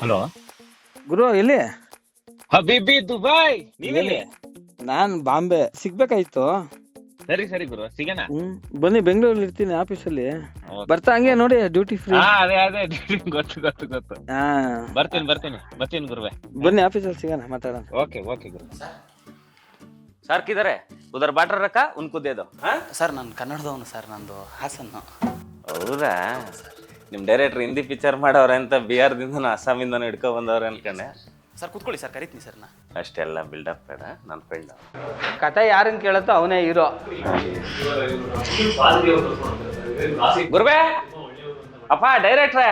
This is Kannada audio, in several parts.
ಹಲೋ ಗುರು ಎಲ್ಲಿ? ಹಬೀಬಿ ದುಬೈ, ನೀವೆಲ್ಲಿ? ನಾನ್ ಬಾಂಬೆ. ಸಿಗ್ಬೇಕಾಯ್ತು. ಸರಿ ಸರಿ ಗುರು, ಸಿಗೋಣ. ಬನ್ನಿ, ಬೆಂಗಳೂರಲ್ಲಿ ಇರ್ತೀನಿ ಆಫೀಸಲ್ಲಿ. Okay, ಬರ್ತಾ ಹಂಗೆ ನೋಡಿ ಡ್ಯೂಟಿ ಫ್ರೀ. ಅದೇ ಅದೇ ಗೊತ್ತು ಗೊತ್ತು ಗೊತ್ತು. ಹಾ, ಬರ್ತೀನಿ ಗುರುವೆ. ಬನ್ನಿ ಆಫೀಸಲ್ಲಿ ಸಿಗೋಣ, ಮಾತಾಡೋಣ. ಓಕೆ ಓಕೆ ಗುರು. ಸರ್ ಕಿದಾರೆ ಉದರ್ ಬಾಟ್ರ ರಕ್ಕ ಉನ್ಕು दे दो. ಸರ್ ನಾನು ಕನ್ನಡದವನು ಸರ್, ನಂದು ಹಾಸನ್ನು. ಹೌದಾ? ನಿಮ್ಮ ಡೈರೆಕ್ಟ್ರ್ ಹಿಂದಿ ಪಿಕ್ಚರ್ ಮಾಡವ್ರೆ ಅಂತ ಬಿಹಾರದಿಂದನೂ ಅಸ್ಸಾಮಿಂದನೂ ಹಿಡ್ಕೊ ಬಂದವ್ರೆ ಅನ್ಕೊಂಡೆ. ಸರ್ ಕೂತ್ಕೊಳ್ಳಿ ಸರ್, ಕರಿತೀನಿ ಸರ್ ನಾ. ಅಷ್ಟೆಲ್ಲ ಬಿಲ್ಡಪ್ ಬೇಡ, ನನ್ನ ಫ್ರೆಂಡ್. ಕತೆ ಯಾರನ್ನ ಕೇಳುತ್ತೋ ಅವನೇ ಹೀರೋ. ಗುರುವೆ, ಅಪ್ಪ ಡೈರೆಕ್ಟ್ರೇ,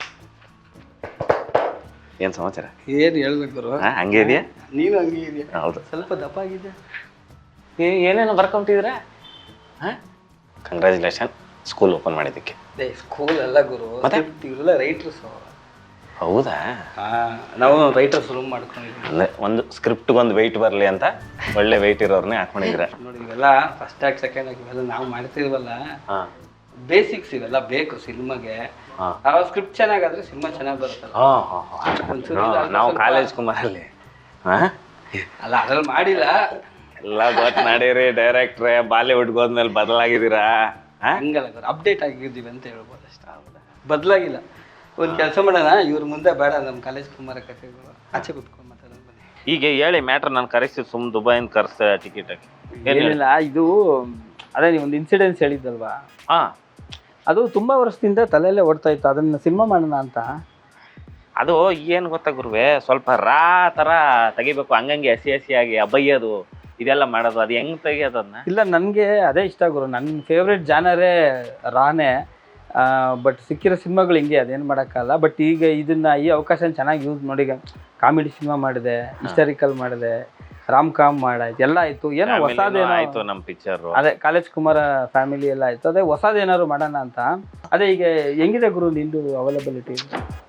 ಏನು ಸಮಾಚಾರ? ಏನ್ ಹೇಳ್ಬೇಕು ಗುರು? ಹಂಗೆ ಇದೆಯಾ? ನೀನು ಹಂಗೆ ಇದೆಯಾ? ಹೌದು. ಸ್ವಲ್ಪ ದಪ್ಪ ಆಗಿದೆ. ಏನೇನು ಬರ್ಕೊಂಬಿಟ್ಟಿದ್ದೀರಾ? ಹಾಂ, ಕಂಗ್ರ್ಯಾಚುಲೇಷನ್ ಸ್ಕೂಲ್ ಓಪನ್ ಮಾಡಿದ್ದಕ್ಕೆ. ಸ್ಕೂಲ್ ಅಲ್ಲ ಗುರು, ಇವರೆಲ್ಲ ರೈಟರ್ಸ್. ಹೌದಾ? ನಾವು ರೈಟರ್ಸ್ ರೂಮ್ ಮಾಡ್ಕೊಂಡಿದ್ವಿ. ಅಂದರೆ ಒಂದು ಸ್ಕ್ರಿಪ್ಟ್ಗೊಂದು ವೆಯ್ಟ್ ಬರಲಿ ಅಂತ ಒಳ್ಳೆ ವೆಯ್ಟ್ ಇರೋರ್ನೇ ಹಾಕೊಂಡಿದ್ದೀರ. ನೋಡಿ, ಇವೆಲ್ಲ ಫಸ್ಟ್ ಆಗಿ ಸೆಕೆಂಡ್ ಆಗಿ ಇವೆಲ್ಲ ನಾವು ಮಾಡ್ತಿರ್ವಲ್ಲ, ಹಾಂ, ಬೇಸಿಕ್ಸ್ ಇವೆಲ್ಲ ಬೇಕು ಸಿನಿಮಾಗೆ. ಆ ಸ್ಕ್ರಿಪ್ಟ್ ಚೆನ್ನಾಗಾದ್ರೆ ಸಿನಿಮಾ ಚೆನ್ನಾಗಿ ಬರುತ್ತಲ್ಲ. ನಾವು ಕಾಲೇಜ್ ಕುಮಾರಲ್ಲಿ ಅಲ್ಲ, ಅದ್ರಲ್ಲಿ ಮಾಡಿಲ್ಲ. ಎಲ್ಲ ಗೊತ್ತು ನಡೀರಿ ಡೈರೆಕ್ಟ್ರೆ, ಬಾಲಿವುಡ್ಗೆ ಹೋದ್ಮೇಲೆ ಬದಲಾಗಿದ್ದೀರಾ? ಹಂಗಲ್ಲ ಗುರು, ಅಪ್ಡೇಟ್ ಆಗಿದ್ದೀವಿ ಅಂತ ಹೇಳ್ಬೋದು ಅಷ್ಟೇ. ಬದಲಾಗಿಲ್ಲ. ಒಂದು ಕೆಲಸ ಮಾಡೋಣ, ಇವ್ರ ಮುಂದೆ ಬೇಡ, ನಮ್ಮ ಕಾಲೇಜ್ ಕುಮಾರ ಕಥೆಗಳು ಆಚೆ ಕುತ್ಕೊಂಡು ಮಾತಾಡೋಣ ಬನ್ನಿ. ಈಗ ಹೇಳಿ ಮ್ಯಾಟ್ರ್, ನಾನು ಕರೆಸ್ತೀವಿ, ಸುಮ್ ದುಬೈಯಿಂದ ಕರೆಸ್ತೆ ಟಿಕೆಟ್ ಹಾಕಿ. ಏನಿಲ್ಲ, ಇದು ಅದೇ ನೀವು ಒಂದು ಇನ್ಸಿಡೆನ್ಸ್ ಹೇಳಿದ್ದಲ್ವಾ, ಹಾಂ, ಅದು ತುಂಬ ವರ್ಷದಿಂದ ತಲೆಯಲ್ಲೇ ಓಡ್ತಾ ಇತ್ತು, ಅದನ್ನು ಸಿನಿಮಾ ಮಾಡೋಣ ಅಂತ. ಅದು ಏನು ಗೊತ್ತಾ ಗುರುವೆ, ಸ್ವಲ್ಪ ರಾ ಥರ ತೆಗಿಬೇಕು, ಹಂಗಂಗೆ ಹಸಿಯಾಗಿ ಅಬ್ಬಯ್ಯೋದು ಇದೆಲ್ಲ ಮಾಡೋದು, ಅದು ಹೆಂಗೆ ತೆಗಿಯೋದು ಅದನ್ನ? ಇಲ್ಲ, ನನಗೆ ಅದೇ ಇಷ್ಟ ಗುರು, ನನ್ನ ಫೇವ್ರೇಟ್ ಜಾನರೇ ರಾನೇ. ಬಟ್ ಸಿಕ್ಕಿರೋ ಸಿನಿಮಾಗಳು ಹಿಂಗೆ, ಅದೇನು ಮಾಡೋಕ್ಕಲ್ಲ. ಬಟ್ ಈಗ ಇದನ್ನು, ಈ ಅವಕಾಶನ ಚೆನ್ನಾಗಿ ಯೂಸ್ ಮಾಡಿ, ಕಾಮಿಡಿ ಸಿನಿಮಾ ಮಾಡಿದೆ, ಹಿಸ್ಟಾರಿಕಲ್ ಮಾಡಿದೆ, ರಾಮ್ ಕಾಮ್ ಮಾಡಾಯ್ತು, ಎಲ್ಲ ಆಯಿತು. ಏನೋ ಹೊಸದೇನೋ ಆಯಿತು ನಮ್ಮ ಪಿಕ್ಚರು. ಅದೇ ಕಾಲೇಜ್ ಕುಮಾರ ಫ್ಯಾಮಿಲಿ ಎಲ್ಲ ಆಯಿತು. ಅದೇ ಹೊಸದೇನಾದ್ರು ಮಾಡೋಣ ಅಂತ. ಅದೇ ಈಗ ಹೆಂಗಿದೆ ಗುರು ನಿಂದು availability?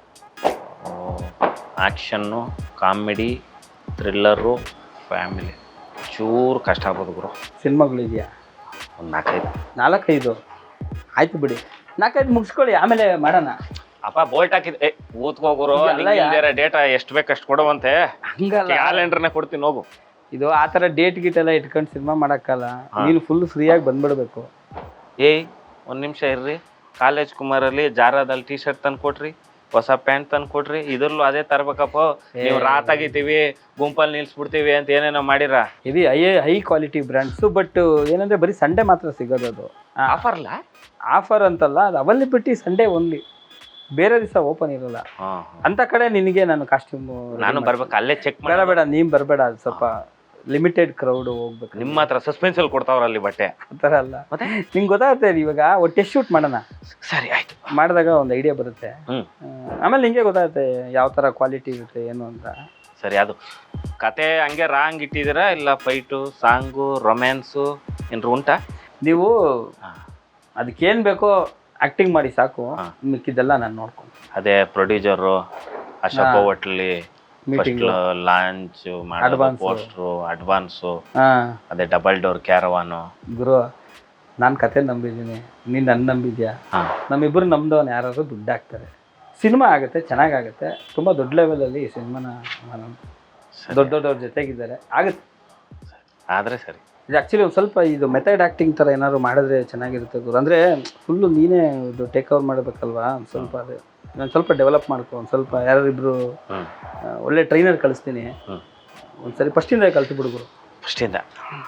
Action, comedy, thriller, family, ಚೂರು ಕಷ್ಟ ಆಗ್ಬೋದು ಗುರು. ಸಿನಿಮಾಗಳಿದೆಯಾ? ಒಂದು 4-5. 4-5 ಆಯ್ತು ಬಿಡಿ, 4-5 ಮುಗಿಸ್ಕೊಳ್ಳಿ, ಆಮೇಲೆ ಮಾಡೋಣ. ಅಪ್ಪ ಬೋಲ್ಟ್ ಹಾಕಿದ್ದೆ, ಓದ್ಕೋಗುರು. ಡೇಟಾ ಎಷ್ಟು ಬೇಕು ಅಷ್ಟು ಕೊಡುವಂತೆ. ಹಂಗಲ್ಲ, ಕ್ಯಾಲೆಂಡರ್ನೇ ಕೊಡ್ತೀನಿ, ಹೋಗು. ಇದು ಆ ಥರ ಡೇಟ್ ಗೀಟ್ ಎಲ್ಲ ಇಟ್ಕೊಂಡು ಸಿನಿಮಾ ಮಾಡೋಕ್ಕಲ್ಲ. ನೀನು ಫುಲ್ ಫ್ರೀಯಾಗಿ ಬಂದ್ಬಿಡ್ಬೇಕು. ಒಂದು ನಿಮಿಷ ಇರ್ರಿ, ಕಾಲೇಜ್ ಕುಮಾರಲ್ಲಿ ಜಾರದಲ್ಲಿ ಟೀ ಶರ್ಟ್ ತಂದು ಕೊಟ್ರಿ, ಹೊಸ ಪ್ಯಾಂಟ್ ತಂದು ಕೊಟ್ರಿ, ಇದ್ರಲ್ಲೂ ಅದೇ ತರ್ಬೇಕಪ್ಪ. ನೀವು ರಾತ್ ಆಗಿದ್ದೀವಿ, ಗುಂಪಲ್ಲಿ ನಿಲ್ಸ್ಬಿಡ್ತೀವಿ ಅಂತ ಏನೇನೋ ಮಾಡಿರ. ಇದು ಹೈ ಕ್ವಾಲಿಟಿ ಬ್ರ್ಯಾಂಡ್ಸು. ಬಟ್ ಏನಂದರೆ ಬರೀ ಸಂಡೇ ಮಾತ್ರ ಸಿಗೋದು. ಅದು ಆಫರ್ಲ್ಲ? ಆಫರ್ ಅಂತಲ್ಲ, ಅದು ಅವೈಲಬಿಲಿಟಿ ಸಂಡೇ ಓನ್ಲಿ, ಬೇರೆ ದಿವಸ ಓಪನ್ ಇರೋಲ್ಲ. ಅಂತ ಕಡೆ ನಿನಗೆ ನಾನು ಕಾಸ್ಟ್ಯೂಮ್ ನಾನು ಬರ್ಬೇಕು, ಅಲ್ಲೇ ಚೆಕ್ ಬೇಡ ಬೇಡ, ನೀನು ಬರಬೇಡ, ಅದು ಸ್ವಲ್ಪ ಲಿಮಿಟೆಡ್ ಕ್ರೌಡ್ ಹೋಗ್ಬೇಕು. ನಿಮ್ಮ ಹತ್ರ ಸಸ್ಪೆನ್ಸಲ್ಲಿ ಕೊಡ್ತಾವ್ರಲ್ಲಿ ಬಟ್ಟೆ ಆ ಥರ ಅಲ್ಲ. ಮತ್ತೆ ನಿಂಗೆ ಗೊತ್ತಾಗುತ್ತೆ, ಇವಾಗ ಟೆಸ್ಟ್ ಶೂಟ್ ಮಾಡೋಣ. ಸರಿ ಆಯ್ತು, ಮಾಡಿದಾಗ ಒಂದು ಐಡಿಯಾ ಬರುತ್ತೆ. ಆಮೇಲೆ ನಿಂಗೆ ಗೊತ್ತಾಗುತ್ತೆ ಯಾವ ಥರ ಕ್ವಾಲಿಟಿ ಇರುತ್ತೆ ಏನು ಅಂತ. ಸರಿ, ಅದು ಕತೆ ಹಂಗೆ ರಾಂಗ್ ಇಟ್ಟಿದ್ದೀರಾ ಇಲ್ಲ ಫೈಟು, ಸಾಂಗು, ರೊಮ್ಯಾನ್ಸು ಏನ್ರು ಉಂಟಾ? ನೀವು ಅದಕ್ಕೇನು ಬೇಕೋ ಆ್ಯಕ್ಟಿಂಗ್ ಮಾಡಿ ಸಾಕು, ಮಿಕ್ಕಿದ್ದೆಲ್ಲ ನಾನು ನೋಡ್ಕೊಂಡು. ಅದೇ ಪ್ರೊಡ್ಯೂಸರು ಅಶೋಕ ಹೋಟ್ಲಿ ಮೀಟಿಂಗ್, ಲಾಂಚ್ ಮಾಡೋದು, ಪೋಸ್ಟ್ರು, ಅಡ್ವಾನ್ಸು, ಅದೇ ಡಬಲ್ ಡೋರ್ ಕ್ಯಾರವಾನು. ಗುರು, ನಾನು ಕತೆ ನಂಬಿದ್ದೀನಿ, ನೀನು ನನ್ನ ನಂಬಿದ್ಯಾ? ನಮ್ಮಿಬ್ಬರು ನಮ್ದವನು ಯಾರಾದ್ರು ದುಡ್ಡು ಹಾಕ್ತಾರೆ, ಸಿನಿಮಾ ಆಗುತ್ತೆ, ಚೆನ್ನಾಗಾಗುತ್ತೆ. ತುಂಬ ದೊಡ್ಡ ಲೆವೆಲಲ್ಲಿ ಈ ಸಿನಿಮಾನ ದೊಡ್ಡವ್ರ ಜೊತೆಗಿದ್ದಾರೆ, ಆಗುತ್ತೆ. ಆದರೆ ಸರಿ, ಇದು ಆ್ಯಕ್ಚುಲಿ ಒಂದು ಸ್ವಲ್ಪ ಇದು ಮೆಥಡ್ ಆ್ಯಕ್ಟಿಂಗ್ ಥರ ಏನಾದ್ರು ಮಾಡಿದ್ರೆ ಚೆನ್ನಾಗಿರುತ್ತೆ ಗುರು. ಅಂದರೆ ಫುಲ್ಲು ನೀನೇ ಇದು ಟೇಕ್ ಓವರ್ ಮಾಡಬೇಕಲ್ವಾ, ಒಂದು ಸ್ವಲ್ಪ ಅದು ನಾನು ಸ್ವಲ್ಪ ಡೆವಲಪ್ ಮಾಡ್ಕೊ. ಒಂದು ಸ್ವಲ್ಪ ಯಾರಿಬ್ರು ಒಳ್ಳೆ ಟ್ರೈನರ್ ಕಳಿಸ್ತೀನಿ, ಒಂದ್ಸರಿ ಫಸ್ಟಿಂದ ಕಲ್ತು ಗುರು. ಫಸ್ಟಿಂದ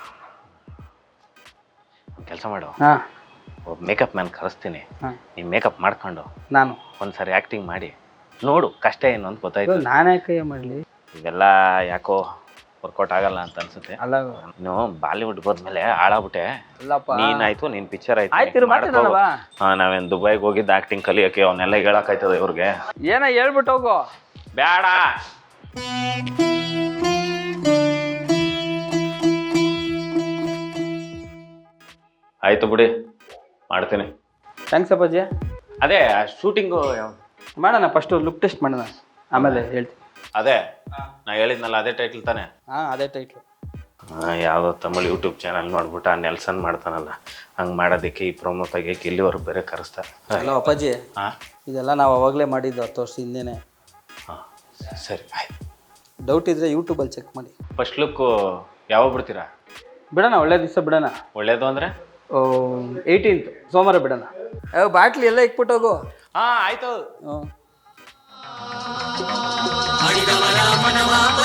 ಕೆಲಸ ಮಾಡು, ಹಾಂ, ಮೇಕಪ್ ಮ್ಯಾನ್ ಕರೆಸ್ತೀನಿ, ನೀವು ಮೇಕಪ್ ಮಾಡ್ಕೊಂಡು ನಾನು ಒಂದ್ಸರಿ ಆ್ಯಕ್ಟಿಂಗ್ ಮಾಡಿ ನೋಡು, ಕಷ್ಟ ಏನು ಅಂತ ಗೊತ್ತಾಯ್ತು. ನಾನೇ ಕೈ ಮಾಡಲಿ, ಇವೆಲ್ಲ ಯಾಕೋ ವರ್ಕೌಟ್ ಆಗಲ್ಲ ಅಂತ ಅನ್ಸುತ್ತೆ. ಅಲ್ಲ, ನೀನು ಬಾಲಿವುಡ್ ಹೋದ್ಮೇಲೆ ಹಾಳಾಗ್ಬಿಟ್ಟೆ. ಅಲ್ಲಪ್ಪ, ನೀನಾಯ್ತು, ನಿನ್ ಪಿಕ್ಚರ್ ಆಯ್ತು. ನಾವೇನು ದುಬೈಗೆ ಹೋಗಿದ್ದು ಆಕ್ಟಿಂಗ್ ಕಲಿಯೋಕೆ, ಅವನ್ನೆಲ್ಲ ಹೇಳಕ್ಕಾಯ್ತದ ಇವ್ರಿಗೆ? ಏನ ಹೇಳ್ಬಿಟ್ಟು ಹೋಗೋ. ಬೇಡ, ಆಯ್ತು ಬಿಡಿ, ಮಾಡ್ತೀನಿ. ಥ್ಯಾಂಕ್ಸ್ ಅಪ್ಪಾಜಿ. ಅದೇ ಶೂಟಿಂಗು ಮಾಡೋಣ, ಫಸ್ಟು ಲುಕ್ ಟೆಸ್ಟ್ ಮಾಡೋಣ, ಆಮೇಲೆ ಹೇಳ್ತೀನಿ. ಅದೇ ನಾ ಹೇಳಿದ್ನಲ್ಲ, ಅದೇ ಟೈಟ್ಲ್ ತಾನೆ? ಹಾಂ, ಅದೇ ಟೈಟ್ಲು. ಯಾವುದೋ ತಮಿಳ್ ಯೂಟ್ಯೂಬ್ ಚಾನಲ್ ನೋಡ್ಬಿಟ್ಟು ಆ ನೆಲ್ಸನ್ ಮಾಡ್ತಾನಲ್ಲ, ಹಂಗೆ ಮಾಡೋದಕ್ಕೆ ಈ ಪ್ರೊಮೋ ತೆಗಿಯೋಕೆ ಇಲ್ಲಿವರೆಗೂ ಬೇರೆ ಕರೆಸ್ತಾರೆ. ಹಲೋ ಅಪ್ಪಾಜಿ, ಇದೆಲ್ಲ ನಾವು ಅವಾಗಲೇ ಮಾಡಿದ್ದು 10 ವರ್ಷ ಹಿಂದೆನೇ. ಸರಿ ಆಯ್ತು. ಡೌಟ್ ಇದ್ದರೆ ಯೂಟ್ಯೂಬಲ್ಲಿ ಚೆಕ್ ಮಾಡಿ. ಫಸ್ಟ್ ಲುಕ್ ಯಾವಾಗ ಬಿಡ್ತೀರಾ? ಬಿಡೋಣ, ಒಳ್ಳೆ ದಿವಸ ಬಿಡೋಣ. ಒಳ್ಳೇದು ಅಂದರೆ 18th ಸೋಮವಾರ ಬಿಡೋಣ. ಬಾಟ್ಲಿ ಎಲ್ಲ ಇಕ್ಬಿಟ್ಟು ಹೋಗು. ಹಾಂ ಆಯಿತು. ಹ್ಞೂ